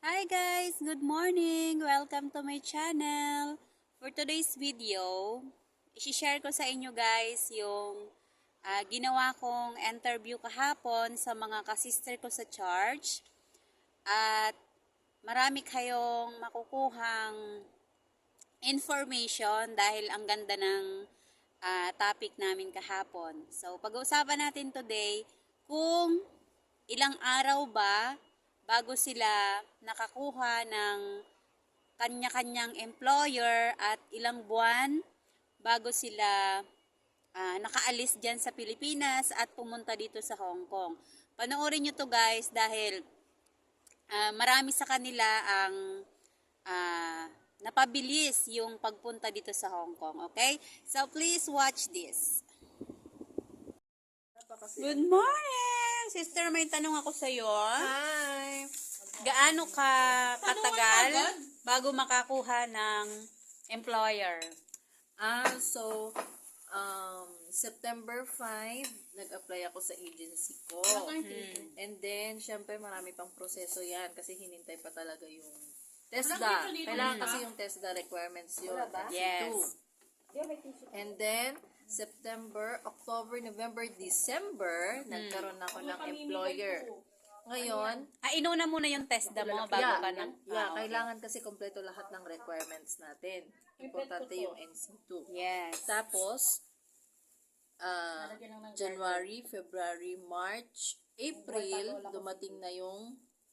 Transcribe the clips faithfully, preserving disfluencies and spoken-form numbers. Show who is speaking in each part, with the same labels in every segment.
Speaker 1: Hi guys! Good morning! Welcome to my channel! For today's video, isi-share ko sa inyo guys yung uh, ginawa kong interview kahapon sa mga kasister ko sa church. At marami kayong makukuhang information dahil ang ganda ng uh, topic namin kahapon. So, pag-uusapan natin today kung ilang araw ba bago sila nakakuha ng kanya-kanyang employer at ilang buwan bago sila uh, nakaalis dyan sa Pilipinas at pumunta dito sa Hong Kong. Panoorin nyo to guys dahil uh, marami sa kanila ang uh, napabilis yung pagpunta dito sa Hong Kong. Okay? So please watch this. Good morning! Sister, may tanong ako sa iyo.
Speaker 2: Hi!
Speaker 1: Gaano ka katagal bago makakuha ng employer?
Speaker 2: Ah, so, um, September five, nag-apply ako sa agency ko. Hmm. And then, syempre, marami pang proseso yan kasi hinintay pa talaga yung TESDA. Kailangan kasi yung TESDA requirements yun.
Speaker 1: Yes.
Speaker 2: And then, September, October, November, December, hmm. nagkaroon ako ng employer. Ngayon,
Speaker 1: ah, inuna muna yung TESDA mo bago
Speaker 2: yeah,
Speaker 1: ka nang...
Speaker 2: yeah,
Speaker 1: ah, okay.
Speaker 2: Kailangan kasi kompleto lahat ng requirements natin. Importante yung N C two.
Speaker 1: Yes.
Speaker 2: Tapos, uh, January, February, March, April, dumating na yung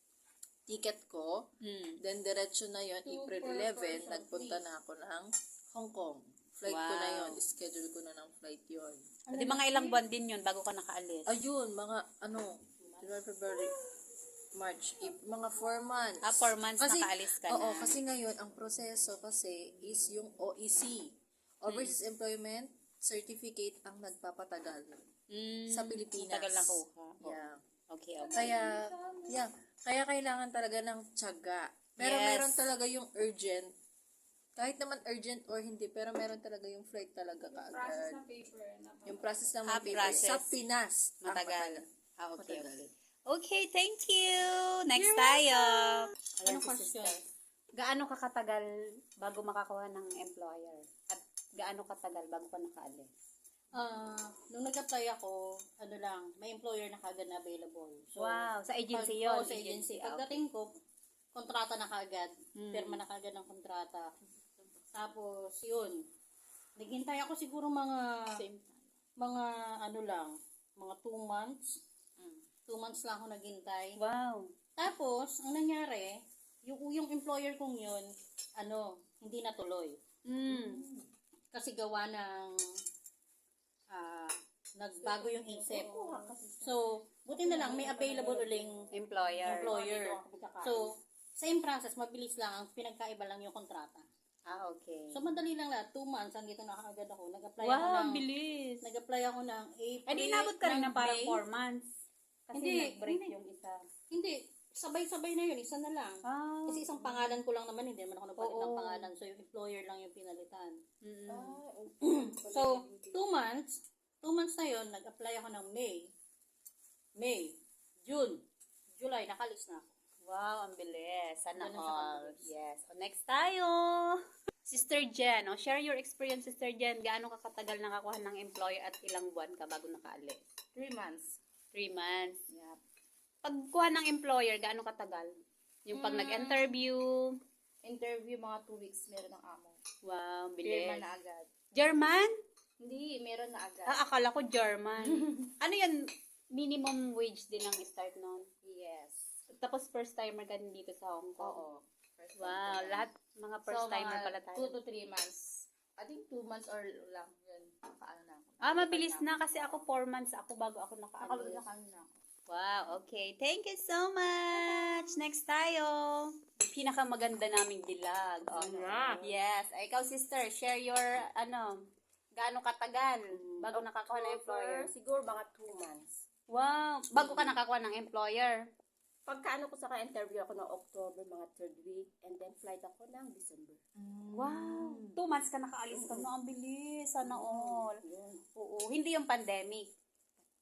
Speaker 2: ticket ko. Hmm. Then, diretso na yon April eleventh, nagpunta na ako ng Hong Kong. Flight wow. ko na yon schedule ko na ng flight yon.
Speaker 1: Di mga ilang buwan din yun bago ka nakaalis?
Speaker 2: Ayun, mga ano, January, February, March, April, mga four months.
Speaker 1: Ah, four months kasi, nakaalis ka
Speaker 2: oo,
Speaker 1: na.
Speaker 2: Oo, kasi ngayon, ang proseso kasi is yung O E C, Overseas hmm. Employment Certificate ang nagpapatagal hmm. sa Pilipinas.
Speaker 1: Tagal na kuha.
Speaker 2: Yeah.
Speaker 1: Okay, okay.
Speaker 2: Kaya, yeah, kaya kailangan talaga ng tiyaga. Pero yes. meron talaga yung urgent. Kahit naman urgent or hindi, pero meron talaga yung flight talaga kaagad. Yung process ng
Speaker 1: ah,
Speaker 2: paper
Speaker 1: process.
Speaker 2: sa Pinas.
Speaker 1: Matagal. Ah, okay,
Speaker 2: matagal.
Speaker 1: okay. Okay, thank you. Next You're tayo.
Speaker 2: Anong question?
Speaker 1: Gaano ka katagal bago makakuha ng employer? At gaano katagal bago ka nakaalis?
Speaker 3: Ah, uh, nung nag-apply ako, ano lang, may employer na kagad na available. So,
Speaker 1: wow, sa agency
Speaker 3: pag,
Speaker 1: yun?
Speaker 3: Oo, sa agency. Pagdating ko, kontrata na kagad. Hmm. Pirma na kagad ng kontrata. Tapos, yun. Naghintay ako siguro mga, mga ano lang, mga two months. Mm. Two months lang ako naghintay.
Speaker 1: Wow.
Speaker 3: Tapos, ang nangyari, yung, yung employer kong yun, ano, hindi natuloy. Mm. Kasi gawa ng, ah, uh, nagbago yung isip. So, buti na lang, may available uling
Speaker 1: employer.
Speaker 3: employer. So, same process, mabilis lang, ang pinagkaiba lang yung kontrata.
Speaker 1: Ah, okay.
Speaker 3: So, madali lang lahat. Two months, andito na kaagad ako. Nag-apply
Speaker 1: wow,
Speaker 3: ako ng...
Speaker 1: Wow, bilis.
Speaker 3: Nag-apply ako ng April.
Speaker 1: Ay, di inabot ka rin ng parang four months. Kasi
Speaker 3: hindi,
Speaker 1: nag-break
Speaker 3: hindi,
Speaker 1: yung isa.
Speaker 3: Hindi. Sabay-sabay na yun. Isa na lang. Ah. Kasi isang pangalan ko lang naman. Hindi naman ako nagpalit ng pangalan. So, yung employer lang yung pinalitan. Mm-hmm. Ah, okay. So, two months. Two months na yun. Nag-apply ako ng May. May. June. July. Nakalis na ako.
Speaker 1: Wow, ang bilis. Sana all. Yes. So, next tayo. Sister Jen, oh, share your experience, Sister Jen. Gaano ka katagal nakakuha ng employer at ilang buwan ka bago nakaalis?
Speaker 2: Three months.
Speaker 1: Three months. Yep. Pagkuha ng employer, gaano katagal? Yung pag hmm. nag-interview?
Speaker 2: Interview, mga two weeks, meron ng amo.
Speaker 1: Wow, bilis.
Speaker 2: German na agad.
Speaker 1: German?
Speaker 2: Hindi, meron na agad.
Speaker 1: Ah, akala ko German. Ano yan? Minimum wage din ang start nun?
Speaker 2: Yes.
Speaker 1: Tapos first timer ka din dito sa Hong Kong?
Speaker 2: Oo.
Speaker 1: First wow, time lahat mga first so, timer pala tayo.
Speaker 2: two to three months. I think two months or lang yun. Nakaano na ako.
Speaker 1: Ah, mabilis na kasi ako four months ako bago ako nakaalis.
Speaker 2: Nakaano na ako.
Speaker 1: Wow, okay. Thank you so much. Next tayo. Pinakamaganda naming dilag. Oh, yeah. Yes. Ay, ikaw sister, share your ano, gaano katagal bago
Speaker 2: um,
Speaker 1: nakakuha ng employer?
Speaker 2: Siguro mga two months.
Speaker 1: Wow, bago ka nakakuha ng employer?
Speaker 2: Pagkaano ko sa ka-interview ako ng October, mga third week, and then flight ako ng December.
Speaker 1: Mm. Wow! Two months ka nakaalis ka na, ang bilis, sana all. Yeah. Oo, hindi yung pandemic.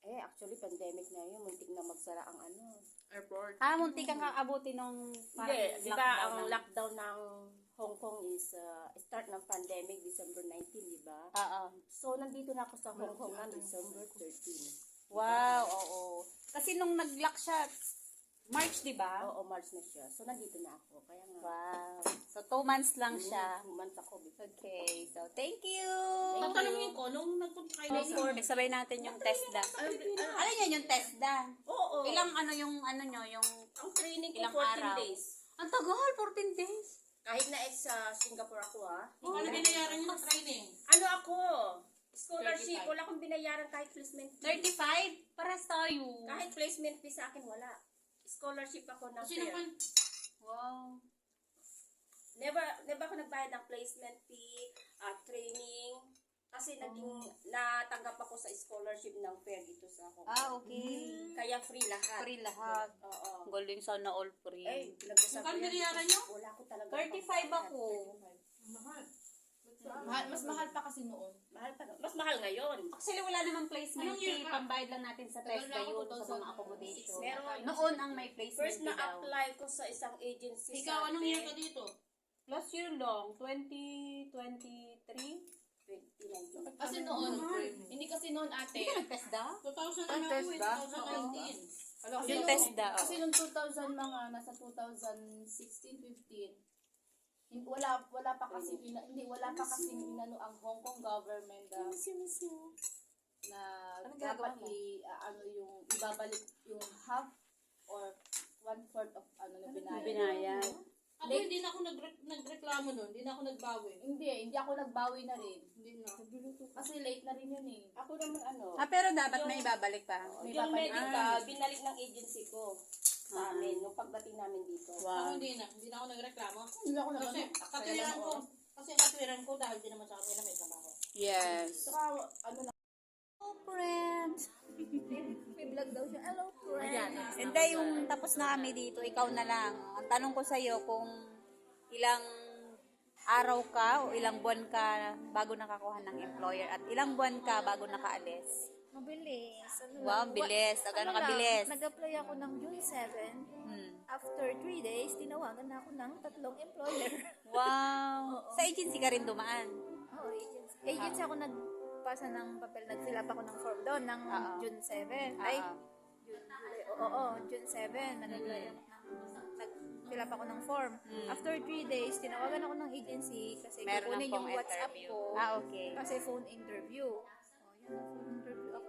Speaker 4: Eh, actually, pandemic na yun. Muntik na magsara ang ano.
Speaker 2: Airport.
Speaker 1: Ah, munti kang kaabuti nung parang
Speaker 4: Hindi, di ba ang
Speaker 1: ng-
Speaker 4: lockdown ng Hong Kong is uh, start ng pandemic December nineteenth, di ba?
Speaker 1: Oo.
Speaker 4: So, nandito na ako sa Hong Kong ng December thirteenth.
Speaker 1: Wow, oo. Kasi nung nag-lock siya, March, di ba?
Speaker 4: Oo, March na siya. So, nandito na ako. Kaya nga,
Speaker 1: Wow. So, two months lang siya.
Speaker 4: two months ako. before.
Speaker 1: Okay, so thank you!
Speaker 3: Tatanungin ko, nung nagpunta kayo ng
Speaker 1: Before, sabay natin yung TESDA. Alam niyo yung TESDA?
Speaker 4: Oo.
Speaker 1: Ilang ano yung ano nyo, yung
Speaker 4: Ang training ko,
Speaker 1: ilang
Speaker 4: fourteen
Speaker 1: araw?
Speaker 4: days.
Speaker 1: Ang tagal, fourteen days.
Speaker 4: Kahit na ex sa Singapore ako, ha?
Speaker 3: Ano binayaran yung training?
Speaker 4: Ano ako? Scholarship. Wala akong binayaran kahit placement fee.
Speaker 1: thirty-five? Paras tayo.
Speaker 4: Kahit placement fee sa akin, wala. Scholarship ako ng
Speaker 3: Kasi
Speaker 4: fair.
Speaker 3: naman,
Speaker 1: Wow.
Speaker 4: Never, never ako nagbayad ng placement fee, uh, training. Kasi naging, natanggap ako sa scholarship ng fair dito sa Hong Kong.
Speaker 1: Ah, okay.
Speaker 4: Kaya free lahat.
Speaker 1: Free lahat.
Speaker 4: Oo.
Speaker 1: Galing sana all free.
Speaker 4: Eh, pinag-usapan
Speaker 3: Magkano
Speaker 4: yan.
Speaker 3: binayaran niyo?
Speaker 4: Wala ko talaga.
Speaker 1: thirty-five
Speaker 4: pambayad.
Speaker 1: ako.
Speaker 3: mahal.
Speaker 2: Mahal, mas mahal pa kasi noon.
Speaker 4: Mahal pa. Mas mahal ngayon.
Speaker 1: Actually, wala namang placement
Speaker 3: Anong year
Speaker 1: fee.
Speaker 3: ka?
Speaker 1: Pambayad lang natin sa
Speaker 2: Tagal
Speaker 1: TESDA
Speaker 2: na ako,
Speaker 1: yun, sa
Speaker 2: two
Speaker 1: mga
Speaker 2: thousand
Speaker 1: accommodation.
Speaker 4: Meron.
Speaker 1: Noon ang may placement
Speaker 4: First
Speaker 1: fee daw.
Speaker 4: na-apply ko sa isang agency
Speaker 3: Ikaw,
Speaker 4: sa
Speaker 3: anong year ka dito?
Speaker 1: Last year long, twenty twenty-three.
Speaker 4: twenty nineteen.
Speaker 2: Kasi noon, hindi kasi noon ate.
Speaker 1: Hindi ka nag-TESDA?
Speaker 3: two thousand
Speaker 1: Ang
Speaker 3: na ako eh,
Speaker 1: TESDA?
Speaker 3: twenty nineteen.
Speaker 1: Kasi yung TESDA, oh.
Speaker 2: Kasi noong two thousand mga nasa two thousand sixteen fifteen. Hin- Wala wala pa kasi ina- hindi wala pa kasi inano ang Hong Kong government na, na
Speaker 1: Anong
Speaker 2: dapat
Speaker 1: ginagawa mo?
Speaker 2: i ah, ano yung ibabalik yung half or one fourth of ano na binayad.
Speaker 1: Binayad.
Speaker 3: Ako hindi na ako nagre- nagreklamo nun, hindi na ako nagbawi.
Speaker 2: Hindi, hindi ako nagbawi na rin.
Speaker 3: Hindi na.
Speaker 2: Kasi late na rin yun eh.
Speaker 4: Ako naman ano.
Speaker 1: Ah, pero dapat may ibabalik pa.
Speaker 2: May
Speaker 4: Yung
Speaker 2: babalik.
Speaker 4: medical, binalik ng agency ko sa
Speaker 1: Ah.
Speaker 4: amin, nung pagdating namin dito.
Speaker 3: Ako
Speaker 1: Wow.
Speaker 3: hindi na, hindi na ako nagreklamo.
Speaker 2: Hindi ako
Speaker 3: Kasi
Speaker 2: nagbawi.
Speaker 3: katwiran ko, kasi katwiran ko dahil di naman sa kanila may trabaho.
Speaker 1: Yes.
Speaker 2: Saka ano na.
Speaker 1: Hello, friends.
Speaker 2: May vlog daw siya. Hello, friend.
Speaker 1: Hindi, yung tapos na kami dito, ikaw na lang. Ang tanong ko sa'yo kung ilang araw ka o ilang buwan ka bago nakakuha ng employer at ilang buwan ka bago nakaalis.
Speaker 5: Mabilis. Ano
Speaker 1: Wow,
Speaker 5: lang,
Speaker 1: bilis.
Speaker 5: wa-
Speaker 1: O, gano'n
Speaker 5: ano lang,
Speaker 1: kabilis?
Speaker 5: Nag-apply ako ng June seventh.
Speaker 1: Hmm.
Speaker 5: After three days, tinawagan na ako ng tatlong employer.
Speaker 1: Wow. Sa agency ka rin dumaan.
Speaker 5: Oo, agency. Agency ako nagpasa ng papel. Nag-fill up ako ng form doon ng
Speaker 1: Oo.
Speaker 5: June seventh. Ay,
Speaker 1: Oo.
Speaker 5: June, July. Oo, oo, June seventh. Nag-apply ako ng nag-fill up ako ng form. After three days, tinawagan ako ng agency kasi
Speaker 1: Meron
Speaker 5: kukunin
Speaker 1: ng
Speaker 5: yung
Speaker 1: pong
Speaker 5: WhatsApp
Speaker 1: interview.
Speaker 5: ko.
Speaker 1: Ah, okay.
Speaker 5: Kasi phone interview. Oh, yun, phone interview ako.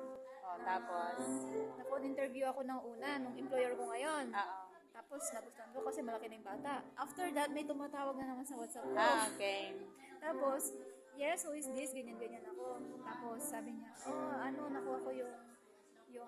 Speaker 1: O, tapos?
Speaker 5: Na-phone interview ako ng una, nung employer ko ngayon.
Speaker 1: Oo.
Speaker 5: Tapos nagustuhan ko kasi malaki na yung bata. After that, may tumatawag na naman sa WhatsApp ko.
Speaker 1: Ah, okay.
Speaker 5: Tapos, yes, who is this? Ganyan-ganyan ako. Tapos sabi niya, oh, ano, nakuha ko yung, yung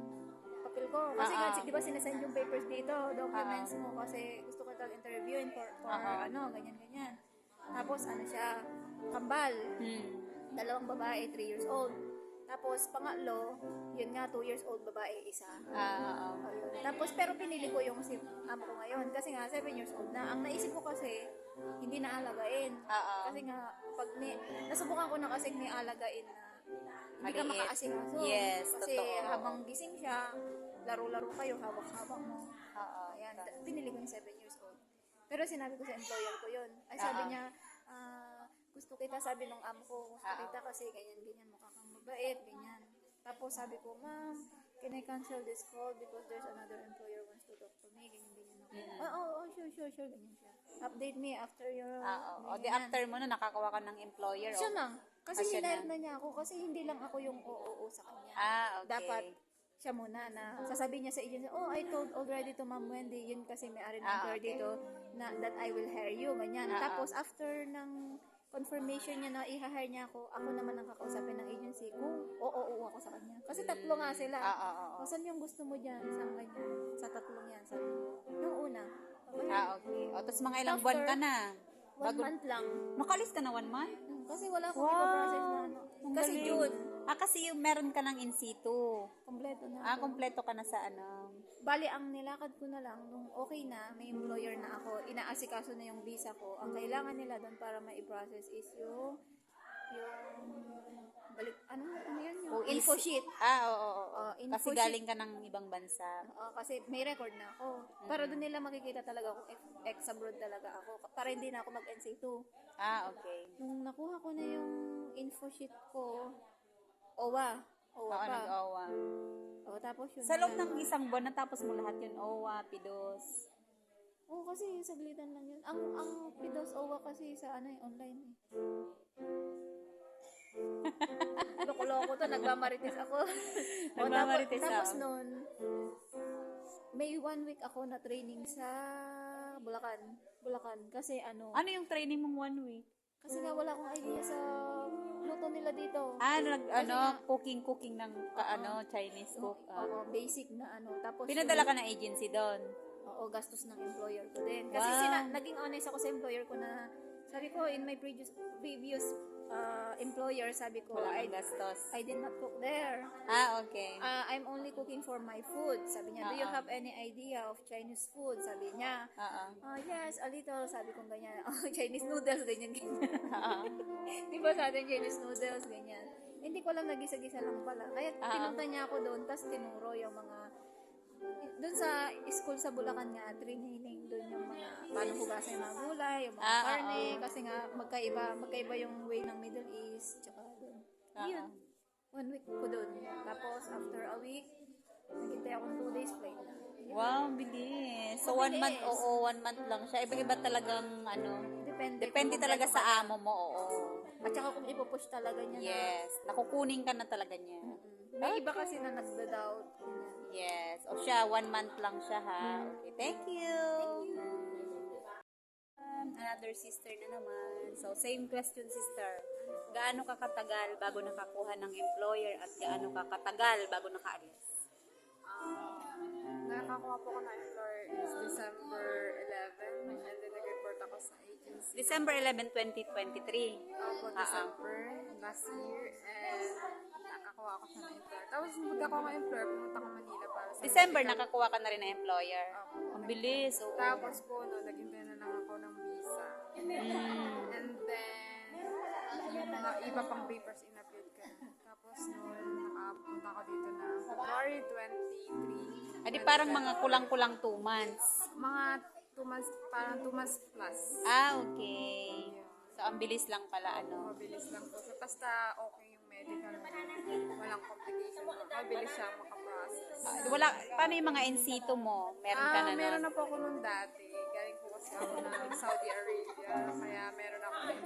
Speaker 5: papel ko. Kasi
Speaker 1: Ah,
Speaker 5: nga,
Speaker 1: ah.
Speaker 5: di ba sinasend yung papers dito, documents mo, kasi gusto ko tal interviewin for, for
Speaker 1: Ah, ah.
Speaker 5: ano, ganyan-ganyan. Tapos, ano siya, kambal.
Speaker 1: Hmm.
Speaker 5: Dalawang babae, three years old. Tapos, pangatlo, yun nga, two years old babae, isa.
Speaker 1: Ah, oo.
Speaker 5: Ayun. Tapos, pero pinili ko yung si amo ko ngayon. Kasi nga, seven years old na. Ang naisip ko kasi, hindi na alagain.
Speaker 1: Oo.
Speaker 5: Kasi nga, pag ni, nasubukan ko na kasi ni alagain na hindi ka
Speaker 1: Maliit.
Speaker 5: makaasikaso.
Speaker 1: Yes,
Speaker 5: Kasi
Speaker 1: totoo.
Speaker 5: habang gising siya, laro-laro kayo, hawak-hawak mo.
Speaker 1: Oo.
Speaker 5: Ayan, t- pinili ko yung seven years old. Pero sinabi ko sa employer ko yun. Ay, sabi
Speaker 1: Oo.
Speaker 5: niya, ah, gusto kita, sabi nung amo ko, gusto
Speaker 1: Oo.
Speaker 5: kita kasi ganyan-ganyan, mukha kang mabait, ganyan. Tapos sabi ko, ma'am, can I cancel this call because there's another employer wants to talk to me, ganyan-ganyan ako.
Speaker 1: Mm.
Speaker 5: Oo, oh, oh, sure, sure, sure, ganyan siya. Update me after your...
Speaker 1: Ah, oo. O, di
Speaker 5: ganyan.
Speaker 1: after mo na nakakuha ka ng employer.
Speaker 5: Siya
Speaker 1: o-
Speaker 5: na. Kasi
Speaker 1: Ah, siya
Speaker 5: hinire
Speaker 1: na.
Speaker 5: na niya ako kasi hindi lang ako yung oo sa kanya.
Speaker 1: Ah, okay.
Speaker 5: Dapat siya muna na sasabihin niya sa agency, oh, I told already to Ma'am Wendy, yun kasi may ari ng
Speaker 1: Ah,
Speaker 5: employer
Speaker 1: okay.
Speaker 5: dito, na that I will hire you, ganyan.
Speaker 1: Ah,
Speaker 5: Tapos, after ng confirmation niya na i-hire niya ako, ako naman ang kakausapin ng agency kung oo, oo ako sa kanya. Kasi tatlo nga sila.
Speaker 1: Ah, oo, oo.
Speaker 5: O, saan yung gusto mo dyan? Saan ganyan? Sa tatlong yan. Sabi ko. Yung una. Okay.
Speaker 1: Ah, okay. O, tapos mga ilang
Speaker 5: After,
Speaker 1: buwan ka na.
Speaker 5: One month lang.
Speaker 1: Nakalis ka na one month?
Speaker 5: Kasi wala akong
Speaker 1: Wow.
Speaker 5: ipaprocess na ano.
Speaker 1: Ang
Speaker 5: Kasi
Speaker 1: galing.
Speaker 5: June,
Speaker 1: Ah, kasi yung meron ka ng in situ.
Speaker 5: kompleto na.
Speaker 1: Ah,
Speaker 5: ako.
Speaker 1: kompleto ka na sa ano.
Speaker 5: Bali, ang nilakad ko na lang, nung okay na, may employer na ako, inaasikaso na yung visa ko, ang kailangan nila doon para ma-process is yung yung balik, ano, ano yan yung
Speaker 1: O is-
Speaker 5: info sheet.
Speaker 1: Ah, oo, oo, oo.
Speaker 5: Oh, info
Speaker 1: Kasi
Speaker 5: sheet.
Speaker 1: galing ka ng ibang bansa.
Speaker 5: Oo, kasi may record na ako. Para doon nila makikita talaga kung ex- ex-abroad talaga ako. Para hindi na ako mag-N C two.
Speaker 1: Ah, okay.
Speaker 5: Nung nakuha ko na yung info sheet ko, O W A. O W A
Speaker 1: Oo,
Speaker 5: pa.
Speaker 1: nag-O W A.
Speaker 5: O, tapos yun.
Speaker 1: Sa loob
Speaker 5: na-
Speaker 1: ng isang buwan, natapos mo lahat yun. O W A, Pidos.
Speaker 5: Oo, kasi saglitan lang yun. Ang ang Pidos O W A kasi sa ano eh, online eh. Loko-loko to, nagmamarites ako. O,
Speaker 1: Nagmamarites
Speaker 5: tapos, tapos
Speaker 1: ako.
Speaker 5: nun, may one week ako na training sa Bulacan. Bulacan. Kasi ano,
Speaker 1: Ano yung training mong one week?
Speaker 5: kasi nga wala akong idea sa luto nila dito.
Speaker 1: Ah, nag, ano,
Speaker 5: nga-
Speaker 1: cooking-cooking ng ka, ano, Chinese cook. Ah.
Speaker 5: Oo, basic na ano. Tapos
Speaker 1: Pinadala ka ng agency doon.
Speaker 5: Oo, gastos ng employer ko din. Kasi
Speaker 1: Wow.
Speaker 5: sina, naging honest ako sa employer ko na, sabi ko, in my previous previous uh, employer, sabi ko,
Speaker 1: Wala
Speaker 5: I,
Speaker 1: kang gastos.
Speaker 5: I did not cook there.
Speaker 1: Ah, okay.
Speaker 5: Uh, I'm only cooking for my food. Sabi niya, do you
Speaker 1: Oo.
Speaker 5: have any idea of Chinese food? Sabi niya,
Speaker 1: Oo.
Speaker 5: oh, yes, a little. Sabi ko ganyan, oh, Chinese noodles, ganyan, ganyan.
Speaker 1: Oo.
Speaker 5: Di ba sa atin, Chinese noodles, ganyan. Hindi ko alam, nagisa-gisa lang pala. Kaya
Speaker 1: Ah.
Speaker 5: pinunta niya ako doon, tapos tinuro yung mga, doon sa school sa Bulacan nga, training doon yung mga, paano hugasan yung mga gulay, yung mga
Speaker 1: Ah,
Speaker 5: karne,
Speaker 1: oo.
Speaker 5: kasi nga, magkaiba, magkaiba yung way ng Middle East, tsaka doon.
Speaker 1: Ah,
Speaker 5: Yun, one week ko doon. Tapos, after a week, naghintay akong two days flight na. Yun.
Speaker 1: Wow, bilis. So, one month,
Speaker 5: Mabilis.
Speaker 1: oo, one month lang siya. Iba-iba talagang, ano,
Speaker 5: Depende.
Speaker 1: depende
Speaker 5: kung
Speaker 1: talaga
Speaker 5: gaano
Speaker 1: sa
Speaker 5: ka-
Speaker 1: amo mo, oo.
Speaker 5: At saka kung ipupush talaga niya
Speaker 1: Yes. Nakukunin ka na talaga niya.
Speaker 5: na. Mm. May iba kasi na nagda-doubt. ganyan.
Speaker 1: Yes. O siya, one month lang siya, ha? Okay, thank you. Um, another sister na naman. So, same question, sister. Gaano ka katagal bago nakakuha ng employer at gaano ka katagal bago nakaalis?
Speaker 6: Nakakuha po ko ng employer is December eleventh and then nag-report ako sa agency.
Speaker 1: December eleventh, twenty twenty-three.
Speaker 6: Ako po
Speaker 1: Ah, ah.
Speaker 6: December last year and nakakuha ako siya ng employer. Tapos pagkakuha ko ng employer, pumunta ko Manila para sa
Speaker 1: December,
Speaker 6: medical.
Speaker 1: nakakuha ka na rin ng employer. Ang bilis. Oo.
Speaker 6: Tapos po, no, naghintay na lang ako ng visa.
Speaker 1: Mm.
Speaker 6: And then, yung mga iba pang papers in-upload ka. Tapos noon, nakapunta ako dito na February twenty-three.
Speaker 1: Adi parang mga kulang-kulang two months.
Speaker 6: Mga two months, parang two months plus.
Speaker 1: Ah, okay. So, ang bilis lang pala, ano.
Speaker 6: Mabilis lang po. So, basta okay yung medical mo. Walang complication. Mabilis siya makaprocess.
Speaker 1: Ah, wala, paano yung mga in situ mo? Meron ka
Speaker 6: Ah,
Speaker 1: na
Speaker 6: meron
Speaker 1: nun?
Speaker 6: na po ako nung dati. Galing po kasi ako ng Saudi Arabia. Kaya meron ako ng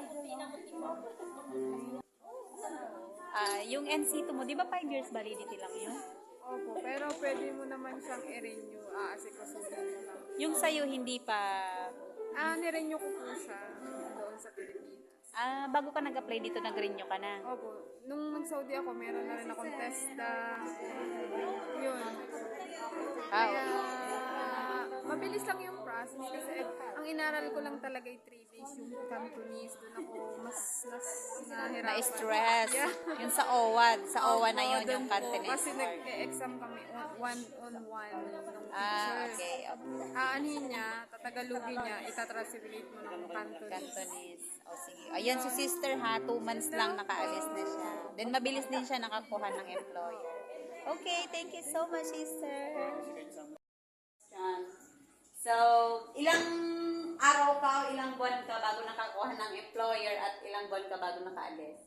Speaker 1: Ah, yung N C two mo, di ba five years validity lang yun?
Speaker 6: Opo, pero pwede mo naman siyang i-renew. Ah, asikasuhin mo lang.
Speaker 1: Yung sa'yo, hindi pa...
Speaker 6: Ah, ni-renew ko po siya doon sa Pilipinas.
Speaker 1: Ah, bago ka nag-apply dito, nag-renew ka na.
Speaker 6: Opo, nung nag-Saudi ako, meron na rin akong testa. Yun.
Speaker 1: Ah,
Speaker 6: Kaya, mabilis lang yung process kasi ang inaral ko lang talaga ay three days yung Cantonese. Doon ako mas, mas nahirapan.
Speaker 1: Na-stress.
Speaker 6: Yeah.
Speaker 1: Yung sa O W A, sa O W A na
Speaker 6: Opo,
Speaker 1: yun,
Speaker 6: doon
Speaker 1: yung
Speaker 6: po.
Speaker 1: Cantonese.
Speaker 6: Kasi nag-exam kami on- one-on-one nung
Speaker 1: Ah,
Speaker 6: teacher.
Speaker 1: okay. okay.
Speaker 6: Aanin niya, tatagalugin niya, itatranslate mo ng Cantonese.
Speaker 1: Cantonese. O, sige. Ayan si sister ha, two months lang nakaalis na siya. Then, mabilis din siya nakakuha ng employer. Okay, thank you so much, sister. So, ilang araw ka o ilang buwan ka bago nakakuha ng employer at ilang buwan ka bago nakaalis?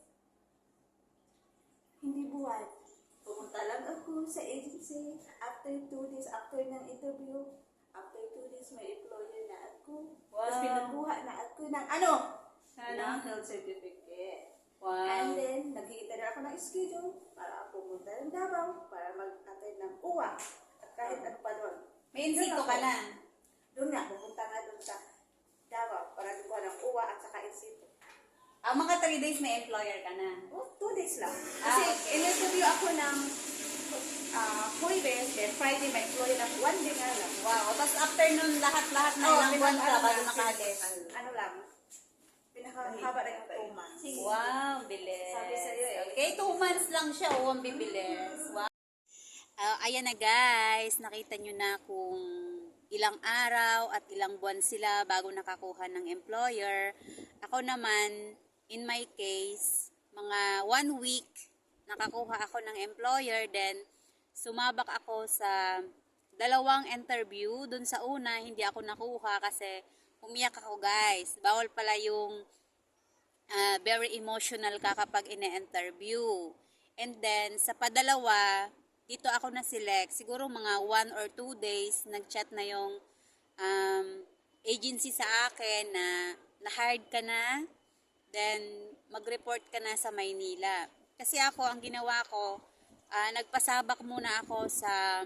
Speaker 7: Hindi buwan. Pumunta lang ako sa agency. After two days, after ng interview, after two days, may employer na ako.
Speaker 1: Wow.
Speaker 7: Tapos pinakuha na ako ng ano?
Speaker 1: Ano?
Speaker 7: Ng health certificate.
Speaker 1: Wow.
Speaker 7: And then, nag-iita na ako ng schedule para pumunta ng Davao para mag-attend ng U W A. At kahit ano pa doon.
Speaker 1: May insito ka na.
Speaker 7: Doon nga, pupunta nga doon sa Davao para kuha ng U W A at saka insito.
Speaker 1: Ang mga three days may employer ka na.
Speaker 7: Oh, two days lang.
Speaker 1: Ah,
Speaker 7: Kasi
Speaker 1: okay.
Speaker 7: in-interview ako ng uh, Huwebes, then Friday may employer ng one day nga lang.
Speaker 1: Wow. Tapos after nun, lahat-lahat na
Speaker 7: Oh,
Speaker 1: ilang buwan ka
Speaker 7: pinag-
Speaker 1: bago
Speaker 7: ano,
Speaker 1: nakaalis.
Speaker 7: Ano lang, pinakahaba na yung two months.
Speaker 1: Wow, bilis.
Speaker 7: Sabi sa'yo eh.
Speaker 1: Okay, two months lang siya. Oh, ang bibilis. Wow. Ah, ayan na guys, nakita nyo na kung ilang araw at ilang buwan sila bago nakakuha ng employer. Ako naman, in my case, mga one week, nakakuha ako ng employer, then sumabak ako sa dalawang interview. Dun sa una, hindi ako nakuha kasi umiyak ako, guys. Bawal pala yung uh, very emotional ka kapag ine-interview. And then, sa padalawa, dito ako na-select. Siguro mga one or two days, nag-chat na yung um, agency sa akin na na-hired ka na, then mag-report ka na sa Maynila. Kasi ako, ang ginawa ko, uh, nagpasabak muna ako sa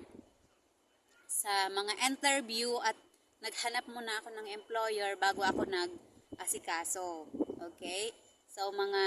Speaker 1: sa mga interview at naghanap muna ako ng employer bago ako nag-asikaso. Okay? So, mga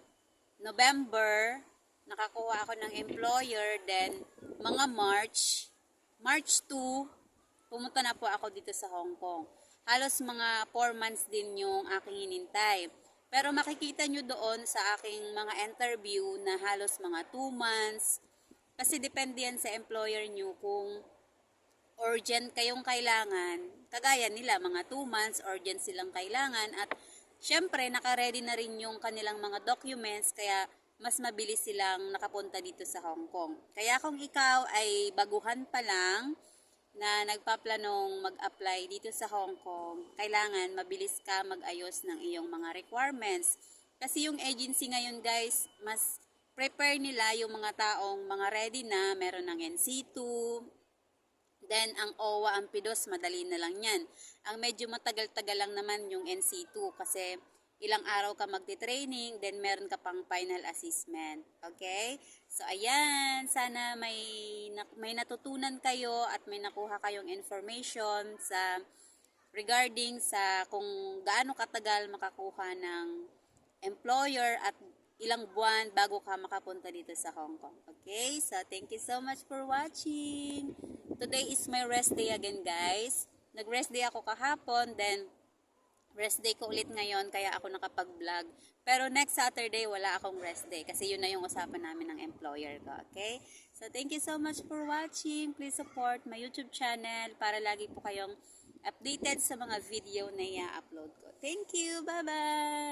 Speaker 1: November, nakakuha ako ng employer, then mga March, March two, pumunta na po ako dito sa Hong Kong. Halos mga four months din yung aking hinintay. Pero makikita nyo doon sa aking mga interview na halos mga two months. Kasi depende yan sa employer nyo kung urgent kayong kailangan. Kagaya nila, mga two months, urgent silang kailangan. At syempre, nakaready na rin yung kanilang mga documents, kaya mas mabilis silang nakapunta dito sa Hong Kong. Kaya kung ikaw ay baguhan pa lang na nagpaplanong mag-apply dito sa Hong Kong, kailangan mabilis ka mag-ayos ng iyong mga requirements. Kasi yung agency ngayon, guys, mas prepare nila yung mga taong mga ready na, meron ng N C two, then ang O W A, ang P D O S, madali na lang yan. Ang medyo matagal-tagal lang naman yung N C two kasi ilang araw ka magti-training, then meron ka pang final assessment. Okay? So, ayan. Sana may, may natutunan kayo at may nakuha kayong information sa regarding sa kung gaano katagal makakuha ng employer at ilang buwan bago ka makapunta dito sa Hong Kong. Okay? So, thank you so much for watching. Today is my rest day again, guys. Nag-rest day ako kahapon, then rest day ko ulit ngayon, kaya ako nakapag-vlog. Pero next Saturday, wala akong rest day. Kasi yun na yung usapan namin ng employer ko. Okay? So, thank you so much for watching. Please support my YouTube channel para lagi po kayong updated sa mga video na i-upload ko. Thank you! Bye-bye!